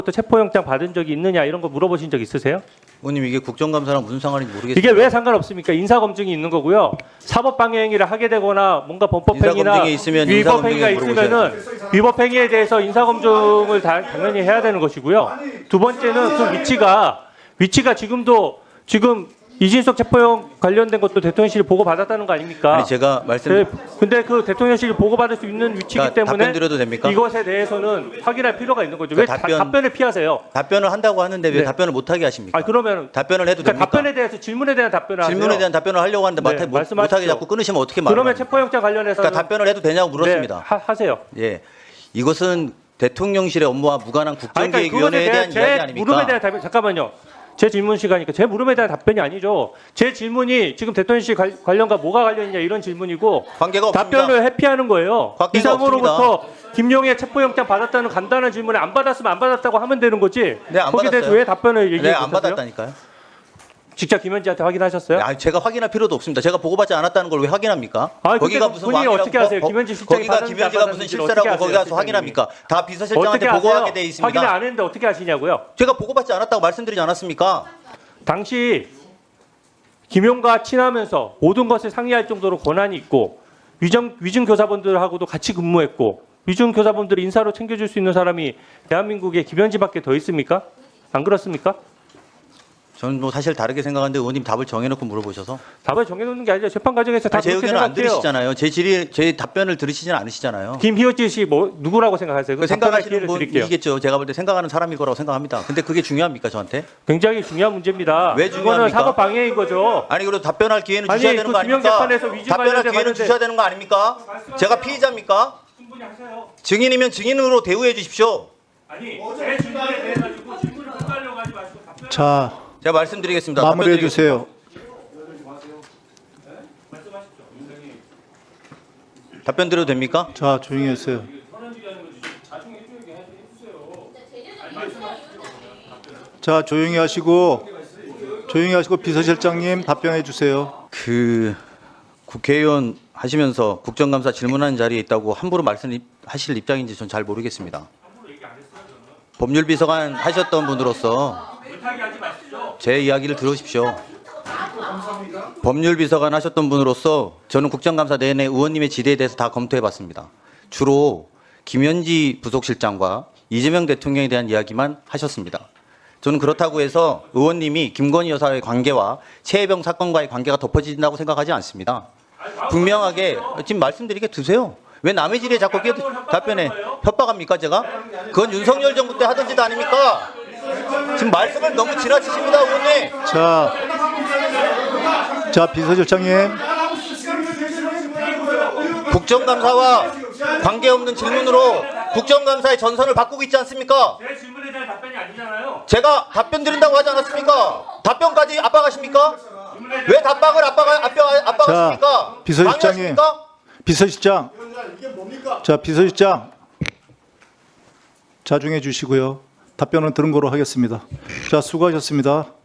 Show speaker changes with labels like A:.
A: 또 체포영장 받은 적이 있느냐 이런 거 물어보신 적 있으세요?
B: 의원님 이게 국정감사랑 무슨 상관인지 모르겠습니다.
A: 이게 왜 상관없습니까? 인사검증이 있는 거고요. 사법방해행위를 하게 되거나 뭔가 범법행위나
B: 인사검증이 있으면
A: 위법행위가
B: 인사검증에
A: 있으면은 위법행위에 대해서 인사검증을 당연히 해야 되는 것이고요. 두 번째는 그 위치가 지금 이진석 체포영 관련된 것도 대통령실이 보고 받았다는 거 아닙니까?
B: 아니 제가 말씀
A: 근데 그 대통령실이 보고 받을 수 있는 위치이기
B: 자,
A: 때문에
B: 답변 드려도 됩니까?
A: 이것에 대해서는 확인할 필요가 있는 거죠. 왜 답변을 피하세요?
B: 답변을 한다고 하는데 왜
A: 네.
B: 답변을 못 하게 하십니까?
A: 그러면
B: 답변을 해도
A: 그러니까
B: 됩니까?
A: 답변에 대해서 질문에 대한 답변을 하세요.
B: 질문에 대한 답변을 하려고 하는데
A: 네,
B: 못
A: 말씀하십시오.
B: 하게 자꾸 끊으시면 어떻게 말을
A: 그러면
B: 합니까?
A: 체포영장 관련해서
B: 그러니까 답변을 해도 되냐고 물었습니다.
A: 네, 하세요.
B: 예, 이것은 대통령실의 업무와 무관한 국정기획위원회에 대한 이야기 아닙니까?
A: 물음에 대한 답변 잠깐만요. 제 질문 시간이니까 제 물음에 대한 답변이 아니죠. 제 질문이 지금 대통령실 관련과 뭐가 관련이냐 이런 질문이고
B: 관계가 없습니다.
A: 답변을 회피하는 거예요.
B: 관계가
A: 이상으로부터 김용의 체포영장 받았다는 간단한 질문에 안 받았으면 안 받았다고 하면 되는 거지.
B: 네, 안
A: 거기에 대해서
B: 받았어요.
A: 왜 답변을 얘기해
B: 네, 안
A: 못하세요?
B: 받았다니까요.
A: 직접 김현지한테 확인하셨어요?
B: 아니, 제가 확인할 필요도 없습니다. 제가 보고받지 않았다는 걸 왜 확인합니까?
A: 거기가 무슨 본인이
B: 왕이라고
A: 어떻게 아세요? 김현지 실장이
B: 거기가
A: 받았는지
B: 김현지가
A: 안
B: 무슨
A: 받았는지
B: 실세라고
A: 어떻게
B: 거기
A: 아세요,
B: 가서 확인합니까? 다 비서실장한테
A: 어떻게
B: 보고하게
A: 아세요?
B: 돼 있습니다.
A: 확인을 안 했는데 어떻게 아시냐고요?
B: 제가 보고받지 않았다고 말씀드리지 않았습니까?
A: 당시 김용과 친하면서 모든 것을 상의할 정도로 권한이 있고 위증 교사분들하고도 같이 근무했고 위증 교사분들을 인사로 챙겨줄 수 있는 사람이 대한민국에 김현지밖에 더 있습니까? 안 그렇습니까?
B: 저는 뭐 사실 다르게 생각하는데 의원님 답을 정해놓고 물어보셔서
A: 답을 정해놓는 게 아니라 재판 과정에서 다
B: 제
A: 그렇게
B: 의견을 안
A: 생각해요.
B: 들으시잖아요. 제 답변을 들으시진 않으시잖아요.
A: 김희호지 씨 누구라고 생각하세요?
B: 그
A: 답변할
B: 생각하시는
A: 기회를 드릴게요.
B: 분이겠죠. 제가 볼 때 생각하는 사람일 거라고 생각합니다. 근데 그게 중요합니까 저한테?
A: 굉장히 중요한 문제입니다.
B: 왜
A: 이거는
B: 중요합니까?
A: 사법 방해인 거죠.
B: 아니 그래도 답변할 기회는
A: 아니,
B: 주셔야 되는
A: 그
B: 거
A: 김영
B: 아닙니까?
A: 재판에서 위증
B: 답변할
A: 관련돼
B: 기회는
A: 봤는데-
B: 주셔야 되는 거 아닙니까? 제가 피의자입니까?
A: 충분히 하세요.
B: 증인이면 증인으로 대우해 주십시오.
A: 아니 제 질문에 대해 가지고 질문을 헛갈려 가지 마시고 답변.
C: 자,
B: 제가 말씀드리겠습니다.
C: 마무리해
B: 답변드리겠습니다.
C: 주세요.
B: 답변 드려도 됩니까?
C: 자, 조용히 하세요. 자, 조용히 하시고 비서실장님 답변해 주세요.
B: 그 국회의원 하시면서 국정감사 질문하는 자리에 있다고 함부로 말씀하실 입장인지 전 잘 모르겠습니다. 법률비서관 하셨던 분으로서 제 이야기를 들으십시오. 법률비서관 하셨던 분으로서 저는 국정감사 내내 의원님의 질의에 대해서 다 검토해봤습니다. 주로 김현지 부속실장과 이재명 대통령에 대한 이야기만 하셨습니다. 저는 그렇다고 해서 의원님이 김건희 여사의 관계와 최혜병 사건과의 관계가 덮어진다고 생각하지 않습니다. 분명하게 지금 말씀드리게 두세요. 왜 남의 질의에 자꾸 답변해? 협박합니까 제가? 그건 윤석열 정부 때 하던 짓 아닙니까? 지금 말씀을 너무 지나치십니다 의원님.
C: 자, 비서실장님.
B: 국정감사와 관계없는 질문으로 국정감사의 전선을 바꾸고 있지 않습니까?
A: 제 질문에 대한 답변이 아니잖아요.
B: 제가 답변 드린다고 하지 않았습니까? 답변까지 압박하십니까? 왜 답박을 압박하십니까?
C: 자, 비서실장님.
B: 방해하십니까?
C: 비서실장. 자, 비서실장. 자중해 주시고요. 답변은 들은 거로 하겠습니다. 자, 수고하셨습니다.